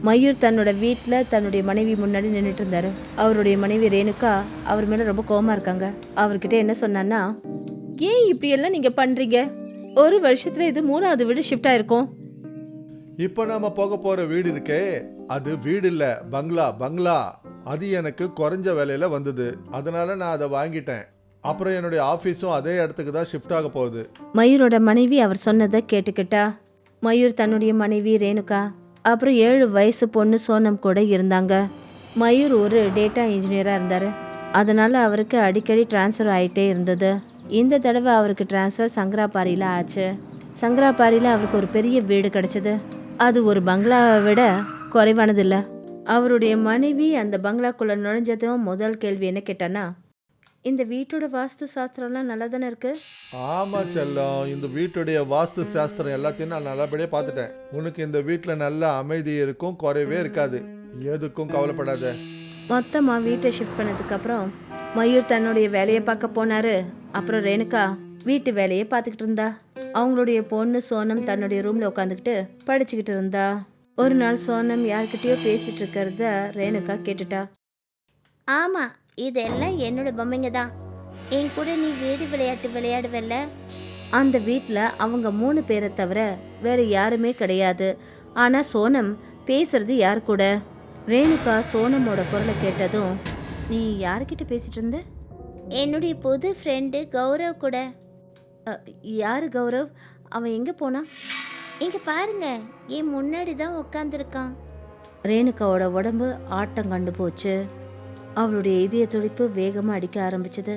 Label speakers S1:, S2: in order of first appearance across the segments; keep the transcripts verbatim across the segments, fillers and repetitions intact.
S1: மயூர் தன்னோட வீட்டில் தன்னுடைய மனைவி முன்னாடி நின்றுட்டு இருந்தாரு. அவருடைய மனைவி ரேணுகா அவர் மேலே ரொம்ப கோவமா இருக்காங்க. அவர்கிட்ட என்ன சொன்னான்னா, ஏன் இப்படியெல்லாம் நீங்கள் பண்ணுறீங்க? ஒரு வருஷத்துல இது மூணாவது வீடு ஷிஃப்ட் ஆயிருக்கும்.
S2: இப்போ நாம போக போற வீடு இருக்கே, அது வீடு இல்ல, பங்களா பங்களா. அது எனக்கு குறைஞ்ச விலையில வந்தது, அதனால நான் அதை வாங்கிட்டேன். அப்புறம் என்னுடைய ஆஃபீஸும் அதே இடத்துக்கு தான் ஷிஃப்ட் ஆக போகுது.
S1: மயூரோட மனைவி அவர் சொன்னதை கேட்டுக்கிட்டா. மயூர் தன்னுடைய மனைவி ரேணுகா அப்புறம் ஏழு வயசு பொண்ணு சோனம் கூட இருந்தாங்க. மயூர் ஒரு டேட்டா இன்ஜினியராக இருந்தார். அதனால் அவருக்கு அடிக்கடி டிரான்ஸ்ஃபர் ஆகிட்டே இருந்தது. இந்த தடவை அவருக்கு டிரான்ஸ்ஃபர் சங்கராபாரியில் ஆச்சு. சங்கராபாரியில் அவருக்கு ஒரு பெரிய வீடு கிடச்சிது. அது ஒரு பங்களாவை விட குறைவானதில்லை. அவருடைய மனைவி அந்த பங்களாக்குள்ளே நுழைஞ்சதும் முதல் கேள்வி என்ன கேட்டான்னா, இந்த வீட்டோட வாஸ்து சாஸ்திரம்லாம் நல்லா தானே இருக்கு?
S2: ஆமா செல்லம், இந்த வீட்டுடைய வாஸ்து சாஸ்திரம் எல்லாத்தையும் நான் நல்லபடியா பார்த்துட்டேன். உனக்கு இந்த வீட்டில் நல்ல அமைதி இருக்கும், குறைவே இருக்காது. எதுக்கும் கவலைப்படாத.
S1: மொத்தமாக வீட்டை ஷிஃப்ட் பண்ணதுக்கப்புறம் மயூர் தன்னுடைய வேலையை பார்க்க போனார். அப்புறம் ரேணுகா வீட்டு வேலையை பார்த்துக்கிட்டு இருந்தா. அவங்களுடைய பொண்ணு சோனம் தன்னுடைய ரூமில் உட்காந்துக்கிட்டு படிச்சுக்கிட்டு இருந்தா. ஒரு நாள் சோனம் யார்கிட்டயோ பேசிட்டு இருக்கிறத ரேணுகா கேட்டுட்டா.
S3: ஆமாம், இதெல்லாம் என்னோட பொம்மைங்க தான். என் கூட நீ வீடு விளையாட்டு விளையாடுவல்ல?
S1: அந்த வீட்டில் அவங்க மூணு பேரை தவிர வேற யாருமே கிடையாது. ஆனால் சோனம் பேசுறது யார் கூட? ரேணுகா சோனமோட குரலை கேட்டதும், நீ யார்கிட்ட பேசிட்டு இருந்த?
S3: என்னுடைய புது ஃப்ரெண்டு கௌரவ் கூட.
S1: "அ, யாரு கௌரவ்? அவன் எங்கே போனான்?"
S3: இங்கே பாருங்க, என் முன்னாடி தான் உட்காந்துருக்கான்.
S1: ரேணுகாவோட உடம்பு ஆட்டம் கண்டு போச்சு. அவளுடைய இதய துடிப்பு வேகமாக அடிக்க ஆரம்பிச்சது.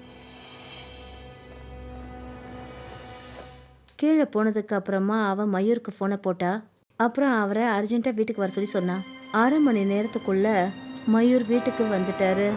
S1: கீழே போனதுக்கு அப்புறமா அவன் மயூருக்கு ஃபோனை போட்டா. அப்புறம் அவரை அர்ஜென்ட்டாக வீட்டுக்கு வர சொல்லி சொன்னான். அரை மணி நேரத்துக்குள்ள மயூர் வீட்டுக்கு வந்துட்டாரு.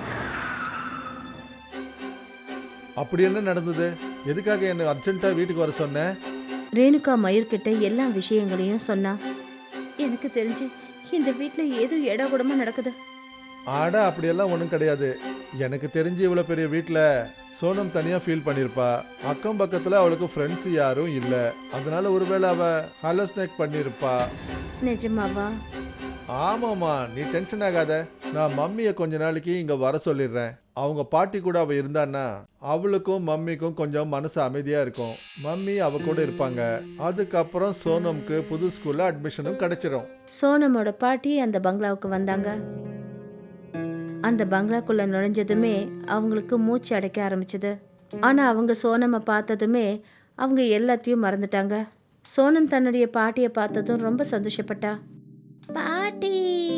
S2: அப்படி என்ன நடந்தது? எதுக்காக என்ன அர்ஜென்ட்டா வீட்டுக்கு வர சொன்ன?
S1: ரேணுகா மயூர்கிட்ட எல்லா விஷயங்களையும் சொன்னா. எனக்கு தெரிஞ்சு இந்த வீட்டில் ஏதோ இடகுடமா நடக்குது.
S2: ஆட அப்படியெல்லாம் ஒன்றும் கிடையாது. எனக்கு தெரிஞ்சு இவ்வளோ பெரிய வீட்டில் சோனம் தனியாக ஃபீல் பண்ணியிருப்பா. அக்கம் பக்கத்தில் அவளுக்கு ஃப்ரெண்ட்ஸ் யாரும் இல்லை. அதனால ஒருவேளை அவள் ஹலோஸ்னேக் பண்ணியிருப்பா.
S1: நிஜமாவா?
S2: ஆமாம்மா, நீ டென்ஷன் ஆகாத. நான் மம்மியை கொஞ்ச நாளைக்கு இங்கே வர சொல்லிடுறேன். அவங்க பாட்டி கூட அவள் இருந்தான்னா அவளுக்கும் மம்மிக்கும் கொஞ்சம் மனசு அமைதியாக இருக்கும். மம்மி அவ கூட இருப்பாங்க. அதுக்கப்புறம் சோனம்க்கு புது ஸ்கூலில் அட்மிஷனும் கிடைச்சிரும்.
S1: சோனமோட பாட்டி அந்த பங்களாவுக்கு வந்தாங்க. அந்த பங்களாக்குள்ள நுழைஞ்சதுமே அவங்களுக்கு மூச்சு அடைக்க ஆரம்பிச்சது. ஆனால் அவங்க சோனமை பார்த்ததுமே அவங்க எல்லாத்தையும் மறந்துட்டாங்க. சோனம் தன்னுடைய பாட்டியை பார்த்ததும் ரொம்ப சந்தோஷப்பட்டா.
S3: பாட்டி!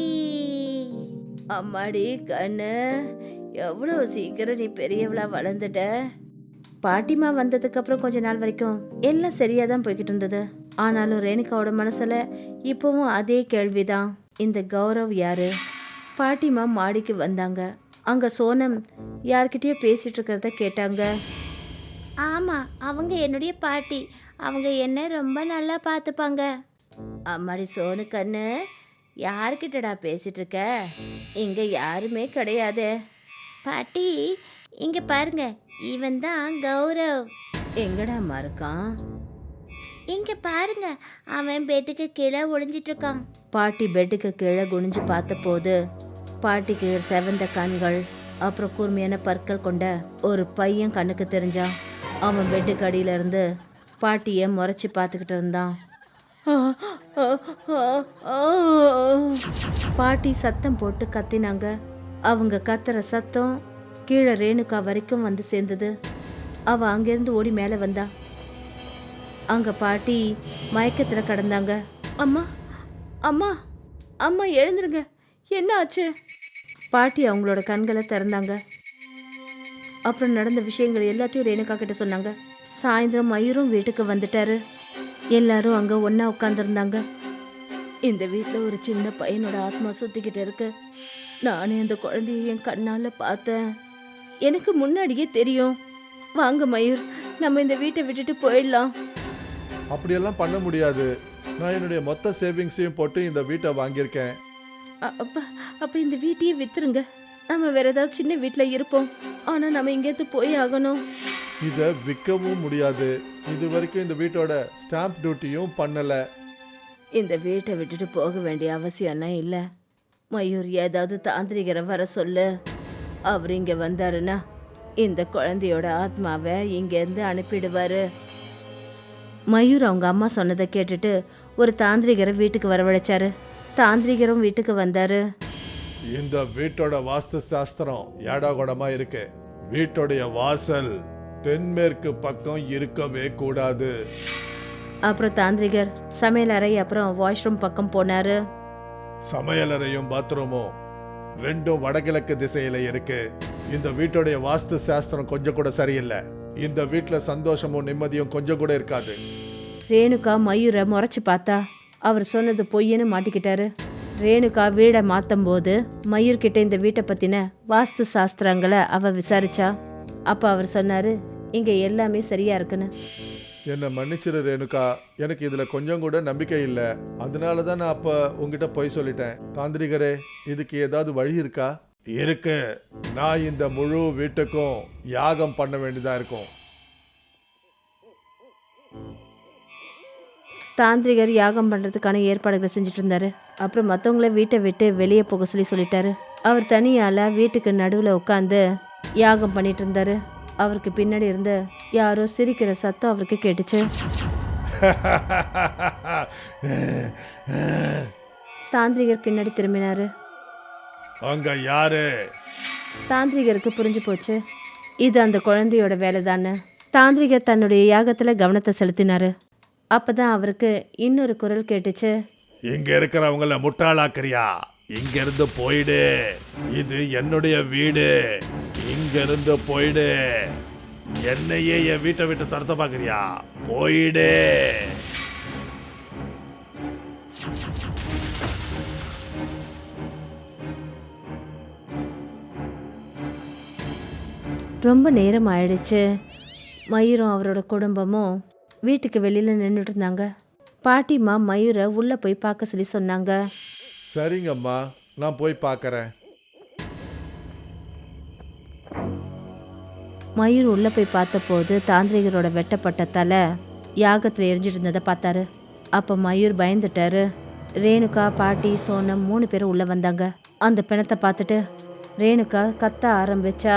S1: அம்மாடி கண்ணு, எவ்வளோ சீக்கிரம் நீ பெரியவளா வளர்ந்துட்ட. பாட்டிமா வந்ததுக்கு அப்புறம் கொஞ்ச நாள் வரைக்கும் எல்லாம் சரியா தான் போய்கிட்டு இருந்தது. ஆனாலும் ரேணுகாவோட மனசுல இப்பவும் அதே கேள்விதான், இந்த கௌரவ் யாரு? பாட்டிமா மாடிக்கு வந்தாங்க. அங்க சோனம் யார்கிட்டயோ பேசிட்டு இருக்கிறத கேட்டாங்க.
S3: ஆமாம், அவங்க என்னுடைய பாட்டி. அவங்க என்ன ரொம்ப நல்லா பார்த்துப்பாங்க.
S1: அம்மாடி சோனு கண்ணு, யார்கிட்டடா பேசிட்டு இருக்க? இங்க யாருமே கிடையாதே.
S3: பாட்டி, இங்கே பாருங்க, இவன் தான் கௌரவ்.
S1: எங்கடாம்மா இருக்கான்?
S3: இங்கே பாருங்க, அவன் பெட்டுக்கு கீழே ஒளிஞ்சிட்டு இருக்கான்.
S1: பாட்டி பெட்டுக்கு கீழே குனிஞ்சு பார்த்தபோது பாட்டிக்கு செவந்த கண்கள் அப்புறம் கூர்மையான பற்கள் கொண்ட ஒரு பையன் கண்ணுக்கு தெரிஞ்சான். அவன் பெட்டுக்கு அடியில இருந்து பாட்டியை முறைச்சி பார்த்துக்கிட்டு இருந்தான். பாட்டி சத்தம் போட்டு கத்தினாங்க. அவங்க கத்துற சத்தம் கீழே ரேணுகா வரைக்கும் வந்து சேர்ந்தது. அவ அங்கிருந்து ஓடி மேலே வந்தா. அங்க பாட்டி மயக்கத்துல கடந்தாங்க. அம்மா, அம்மா, அம்மா எழுந்துருங்க, என்ன ஆச்சு? பாட்டி அவங்களோட கண்களை திறந்தாங்க. அப்புறம் நடந்த விஷயங்கள் எல்லாத்தையும் ரேணுகா கிட்ட சொன்னாங்க. சாயந்தரம் மயூரும் வீட்டுக்கு வந்துட்டாரு. எல்லாரும் அங்க ஒண்ணா உட்காந்துருந்தாங்க. இந்த வீட்டில் ஒரு சின்ன பையனோட ஆத்மா சுத்திக்கிட்டு இருக்கு. நானே அந்த குழந்தைய என் கண்ணால பார்த்தேன். எனக்கு முன்னாடியே தெரியும். வாங்க மயூர், நம்ம இந்த வீட்டை விட்டுட்டு போயிடலாம்.
S2: அப்படியெல்லாம் பண்ண முடியாது. நான் என்னுடைய மொத்த சேவிங்ஸையும் போட்டு இந்த வீட்டை வாங்கியிருக்கேன்.
S1: அ- அப்ப அப்ப இந்த வீட்டையே வித்துருங்க. நம்ம வேற ஏதாவது சின்ன வீட்டில் இருப்போம். ஆனா நம்ம இங்கேருந்து போய் ஆகணும்.
S2: இதை விற்கவும் முடியாது. இது வரைக்கும் இந்த வீட்டோட ஸ்டாம்ப் டியூட்டியும் பண்ணலை.
S1: இந்த வீட்டை விட்டுட்டு போக வேண்டிய அவசியம்னா இல்லை. மயூர் ஏதாவது தாந்திரிகரை வர சொல்லு. அவர் இங்கே வந்தாருன்னா இந்த குழந்தையோட ஆத்மாவை இங்கேருந்து அனுப்பிடுவாரு. மயூர் அவங்க அம்மா சொன்னதை கேட்டுட்டு ஒரு தாந்திரிகரை வீட்டுக்கு வரவழைச்சாரு. தாந்திரிகரும் வீட்டுக்கு வந்தாரு.
S2: இந்த வீட்டோட வாஸ்து சாஸ்திரம் ஏடாகூடமா இருக்கு. வீட்டோடைய வாசல் தென்மேற்கு பக்கம் இருக்கவே கூடாது.
S1: அப்புறம் தாந்திரிகர் சமையல் அறை அப்புறம் வாஷ்ரூம் பக்கம் போனாரு.
S2: சமையலறையும் பாத்ரூமும் ரெண்டும் வடகிழக்கு திசையில இருக்கு. இந்த வீட்டோடைய வாஸ்து சாஸ்திரம் கொஞ்சம் கூட சரியில்லை. இந்த வீட்டுல சந்தோஷமும் நிம்மதியும் கொஞ்சம் கூட இருக்காது.
S1: ரேணுகா மயூரை முறைச்சு பார்த்தா அவர் சொன்னது பொய்யன்னு மாட்டிக்கிட்டாரு. ரேணுகா வீடை மாற்றும் போது மயூர்கிட்ட இந்த வீட்டை பற்றின வாஸ்து சாஸ்திரங்களை அவ விசாரிச்சா. அப்போ அவர் சொன்னார், இங்கே எல்லாமே சரியா இருக்குன்னு.
S2: என்னை மன்னிச்சிரு ரேணுகா, எனக்கு இதுல கொஞ்சம் கூட நம்பிக்கை இல்லை. அதனால தான் நான் அப்ப உங்ககிட்ட பொய் சொல்லிட்டேன். தாந்திரிகரே, இதுக்கு ஏதாவது வழி இருக்கா? இருக்கு. நான் இந்த முழு வீட்டுக்கும் யாகம் பண்ண வேண்டியதா இருக்கும்.
S1: தாந்திரிகர் யாகம் பண்ணுறதுக்கான ஏற்பாடுகளை செஞ்சுட்டு இருந்தாரு. அப்புறம் மற்றவங்கள வீட்டை விட்டு வெளியே போக சொல்லி சொல்லிட்டாரு. அவர் தனியால் வீட்டுக்கு நடுவில் உட்காந்து யாகம் பண்ணிட்டு இருந்தாரு. அவருக்கு பின்னாடி இருந்து யாரோ சிரிக்கிற சத்தம் அவருக்கு கேட்டுச்சு. தாந்திரிகர் பின்னாடி திரும்பினாரு.
S2: அங்க யாரு?
S1: தாந்திரிகருக்கு புரிஞ்சு போச்சு, இது அந்த குழந்தையோட வேலை தானே. தாந்திரிகர் தன்னுடைய யாகத்தில் கவனத்தை செலுத்தினாரு. அப்பதான் அவருக்கு இன்னொரு குரல் கேட்டுச்சு.
S2: இங்க இருக்கிறவங்கள முட்டாளாக்குறியா? இங்க இருந்து போயிடு. இது என்னுடைய வீடு. இங்க இருந்து போயிடு. என்னையே என் வீட்டை விட்டு தரத்த பாக்குறியா? போயிடு.
S1: ரொம்ப நேரம் ஆயிடுச்சு. மயூரும் அவரோட குடும்பமும் வீட்டுக்கு வெளியில் நின்றுட்டு இருந்தாங்க. பாட்டிமா மயூரை உள்ளே போய் பார்க்க சொல்லி சொன்னாங்க.
S2: சரிங்கம்மா, நான் போய் பார்க்கறேன்.
S1: மயூர் உள்ளே போய் பார்த்தபோது தாந்திரிகரோட வெட்டப்பட்ட தலை யாகத்தில் எரிஞ்சிட்டு இருந்ததை பார்த்தாரு. அப்போ மயூர் பயந்துட்டாரு. ரேணுகா, பாட்டி, சோனம் மூணு பேரும் உள்ளே வந்தாங்க. அந்த பிணத்தை பார்த்துட்டு ரேணுகா கத்த ஆரம்பிச்சா.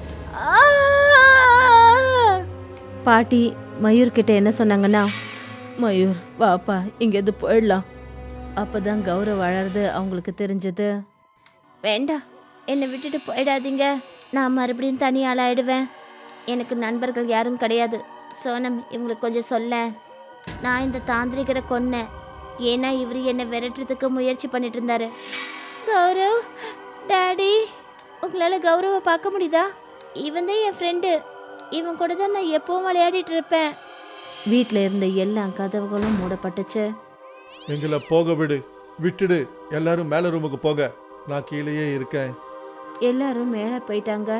S1: பாட்டி மயூர் கிட்ட என்ன சொன்னாங்கன்னா, மயூர் வாப்பா, இங்கேருந்து போயிடலாம். அப்போதான் கௌரவ் வளருது அவங்களுக்கு தெரிஞ்சது.
S3: வேண்டாம், என்னை விட்டுட்டு போயிடாதீங்க. நான் மறுபடியும் தனியால் ஆயிடுவேன். எனக்கு நண்பர்கள் யாரும் கிடையாது. சோனம், இவங்களுக்கு கொஞ்சம் சொல்ல. நான் இந்த தாந்திரிகரை கொன்னேன். ஏன்னா இவர் என்னை விரட்டுறதுக்கு முயற்சி பண்ணிட்டு இருந்தாரு. கௌரவ், டாடி, உங்களால் கௌரவை பார்க்க முடியுதா? இவன் தான் என் ஃப்ரெண்டு. இவன் கூட தான் நான் எப்பவும் விளையாடிட்டு இருப்பேன்.
S1: வீட்டில் இருந்த எல்லா கதவுகளும் மூடப்பட்டுச்சு.
S2: எங்களை போக விடு, விட்டுடு. எல்லாரும் மேல ரூமுக்கு போக, நான் கீழேயே இருக்கேன்.
S1: எல்லாரும் மேலே போயிட்டாங்க.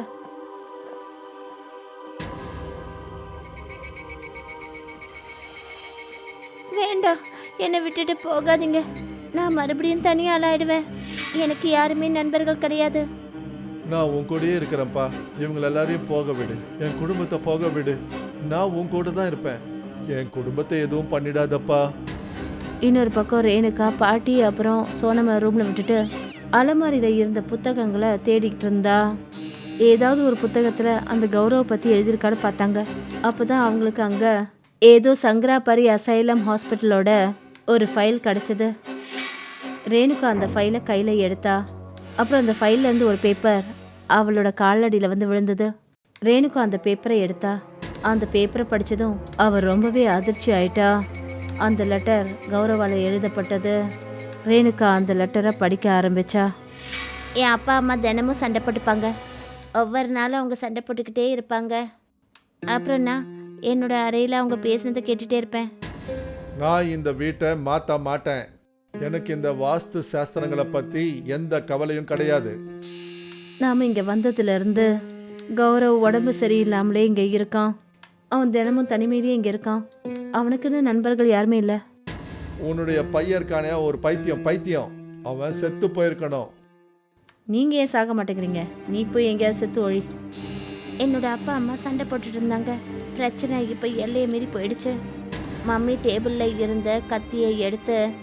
S3: வேண்டாம், என்னை விட்டுட்டு போகாதீங்க. நான் மறுபடியும் தனியால் ஆயிடுவேன். எனக்கு யாருமே நண்பர்கள் கிடையாது.
S2: நான் உன் கூடயே இருக்கிறேன்ப்பா. இவங்க எல்லாரையும் போக விடு. என் குடும்பத்தை போக விடு. நான் உன் கூட தான் இருப்பேன். என் குடும்பத்தை எதுவும் பண்ணிடாதப்பா.
S1: இன்னொரு பக்கம் ரேணுகா, பாட்டி அப்புறம் சோனம ரூமில் விட்டுட்டு அலமாரியில் இருந்த புத்தகங்களை தேடிக்கிட்டு இருந்தா. ஏதாவது ஒரு புத்தகத்தில் அந்த கௌரவ பற்றி எழுதியிருக்கான்னு பார்த்தாங்க. அப்போ தான் அவங்களுக்கு அங்கே ஏதோ சங்கராபரி அசைலம் ஹாஸ்பிட்டலோட ஒரு ஃபைல் கிடச்சிது. ரேணுகா அந்த ஃபைலை கையில் எடுத்தா. அப்புறம் அந்த ஃபைல்லேருந்து ஒரு பேப்பர் அவளோட காலடியில் வந்து விழுந்தது. ரேணுகா அந்த பேப்பரை எடுத்தா. அந்த பேப்பரை படித்ததும் அவள் ரொம்பவே அதிர்ச்சி ஆயிட்டா. அந்த லெட்டர் கௌரவால் எழுதப்பட்டது. ரேணுகா அந்த லெட்டரை படிக்க ஆரம்பிச்சா.
S3: என் அப்பா அம்மா தினமும் சண்டை போட்டுப்பாங்க. ஒவ்வொரு நாளும் அவங்க சண்டை போட்டுக்கிட்டே இருப்பாங்க. அப்புறம் நான் என்னோட அறையில் அவங்க பேசுனதை கேட்டுகிட்டே இருப்பேன்.
S2: நான் இந்த வீட்டை மாற்ற மாட்டேன். எனக்கு இந்த வாஸ்து சாஸ்திரங்களை பற்றி எந்த கவலையும் கிடையாது.
S1: நாம் இங்கே வந்ததுலேருந்து கௌரவ் உடம்பு சரியில்லாமலே இங்கே இருக்கான். அவன் தினமும் தனிமையிலேயே இங்கே இருக்கான். அவனுக்குன்னு நண்பர்கள் யாருமே இல்லை.
S2: உன்னுடைய பையன் இருக்கானே, ஒரு பைத்தியம் பைத்தியம் அவன் செத்து போயிருக்கணும்.
S1: நீங்கள் ஏன் சாக மாட்டேங்கிறீங்க? நீ போய் எங்கேயாவது செத்து ஒழி.
S3: என்னோட அப்பா அம்மா சண்டை போட்டுட்டு இருந்தாங்க. பிரச்சனை இப்போ எல்லையை மீறி போயிடுச்சு. மம்மி டேபிளில் இருந்த கத்தியை எடுத்து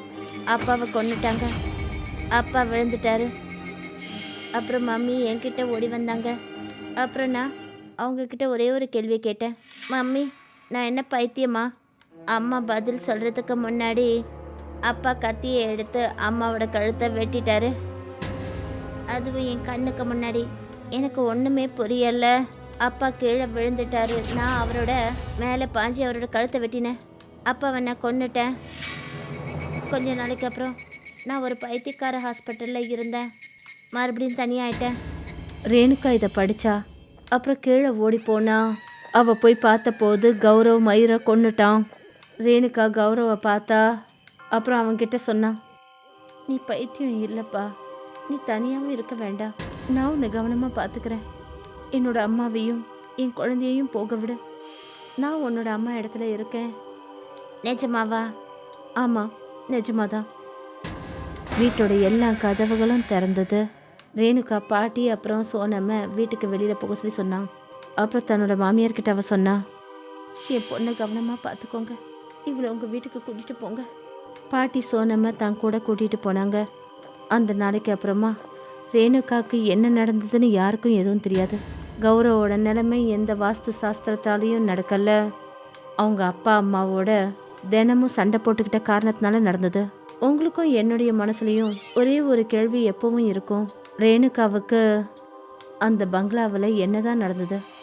S3: அப்பாவை கொன்னுட்டாங்க. அப்பா விழுந்துட்டாரு. அப்புறம் மம்மி என்கிட்ட ஓடி வந்தாங்க. அப்புறம் நான் அவங்கக்கிட்ட ஒரே ஒரு கேள்வி கேட்டேன். மம்மி, நான் என்ன பைத்தியமா? அம்மா பதில் சொல்கிறதுக்கு முன்னாடி அப்பா கத்தியை எடுத்து அம்மாவோட கழுத்தை வெட்டிட்டாரு. அதுவும் என் கண்ணுக்கு முன்னாடி. எனக்கு ஒன்றுமே புரியலை. அப்பா கீழே விழுந்துட்டாரு. நான் அவரோட மேலே பாஞ்சி அவரோட கழுத்தை வெட்டினேன். அப்பாவை நான் கொன்னுட்டேன். கொஞ்ச நாளைக்கு அப்புறம் நான் ஒரு பைத்தியக்கார ஹாஸ்பிட்டலில் இருந்தேன். மறுபடியும் தனியாயிட்டேன்.
S1: ரேணுகா இதை படிச்சா. அப்புறம் கீழே ஓடி போனா. அவ போய் பார்த்தபோது கௌரவ் மயிரை கொன்னுட்டான். ரேணுகா கௌரவை பார்த்தா. அப்புறம் அவன்கிட்ட சொன்னான், நீ பைத்தியம் இல்லைப்பா, நீ தனியாகவும் இருக்க வேண்டாம், நான் உன்னை கவனமாக பார்த்துக்கிறேன். என்னோட அம்மாவையும் என் குழந்தையையும் போக விடு, நான் உன்னோட அம்மா இடத்துல இருக்கேன்.
S3: நிஜமாவா?
S1: ஆமாம், நிஜமாதான். வீட்டோட எல்லா கதவுகளும் திறந்தது. ரேணுகா பாட்டி அப்புறம் சோனம்மை வீட்டுக்கு வெளியில் போக சொல்லி சொன்னான். அப்புறம் தன்னோட மாமியார்கிட்ட அவ சொன்னா, என் பொண்ணை கவனமாக பார்த்துக்கோங்க, இவளை உங்கள் வீட்டுக்கு கூட்டிகிட்டு போங்க. பாட்டி சோனம்மை தான் கூட கூட்டிகிட்டு போனாங்க. அந்த நாளைக்கு அப்புறமா ரேணுகாவுக்கு என்ன நடந்ததுன்னு யாருக்கும் எதுவும் தெரியாது. கௌரவோட நிலைமை எந்த வாஸ்து சாஸ்திரத்தாலையும் நடக்கல. அவங்க அப்பா அம்மாவோட தினமும் சண்டை போட்டுக்கிட்ட காரணத்தினால நடந்தது. உங்களுக்கும் என்னுடைய மனசுலையும் ஒரே ஒரு கேள்வி எப்பவும் இருக்கும், ரேணுகாவுக்கு அந்த பங்களாவில் என்னதான் நடந்தது?